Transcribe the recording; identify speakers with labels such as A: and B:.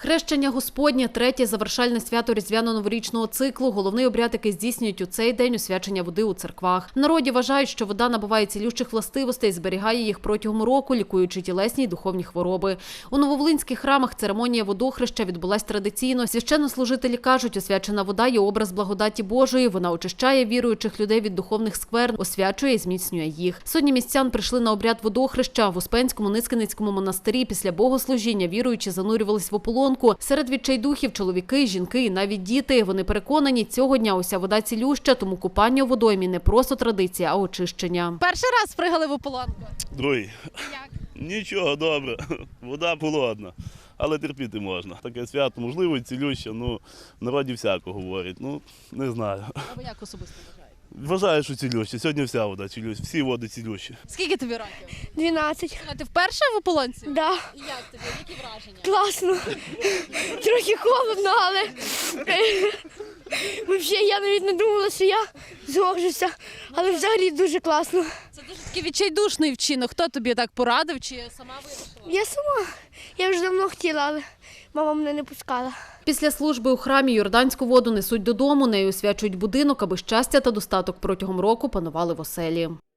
A: Хрещення Господнє – третє завершальне свято різдвяно-новорічного циклу. Головний обряд, який здійснюють у цей день – освячення води у церквах. В народі вважають, що вода набуває цілющих властивостей, зберігає їх протягом року, лікуючи тілесні й духовні хвороби. У нововолинських храмах церемонія водохреща відбулась традиційно. Священнослужителі кажуть, освячена вода є образ благодаті Божої. Вона очищає віруючих людей від духовних скверн, освячує і зміцнює їх. Сотні містян прийшли на обряд водохреща. В Успенському Ницкеницькому монастирі після богослужіння віруючі занурювались в ополонку. Серед відчайдухів – чоловіки, жінки і навіть діти. Вони переконані, цього дня уся вода цілюща, тому купання у водоймі не просто традиція, а очищення.
B: Перший раз пригали в ополонку?
C: Другий.
B: Як?
C: Нічого, добре. Вода холодна, але терпіти можна. Таке свято, можливо, і цілюще, в народі всяко говорять, не знаю.
B: А ви як особисто вважаєте?
C: Вважаю, що цілюще. Сьогодні вся вода цілюща, всі води цілющі.
B: Скільки тобі років?
D: 12.
B: А ти вперше в ополонці?
D: Да.
B: І як тобі? Які враження?
D: Класно. Трохи холодно, але взагалі я навіть не думала, що я зможуся. Але взагалі дуже класно.
B: Це дуже такий відчайдушний вчинок. Хто тобі так порадив чи сама вирішила?
D: Я сама. Я вже давно хотіла, але мама мене не пускала.
A: Після служби у храмі йорданську воду несуть додому, нею освячують будинок, аби щастя та достаток протягом року панували в оселі.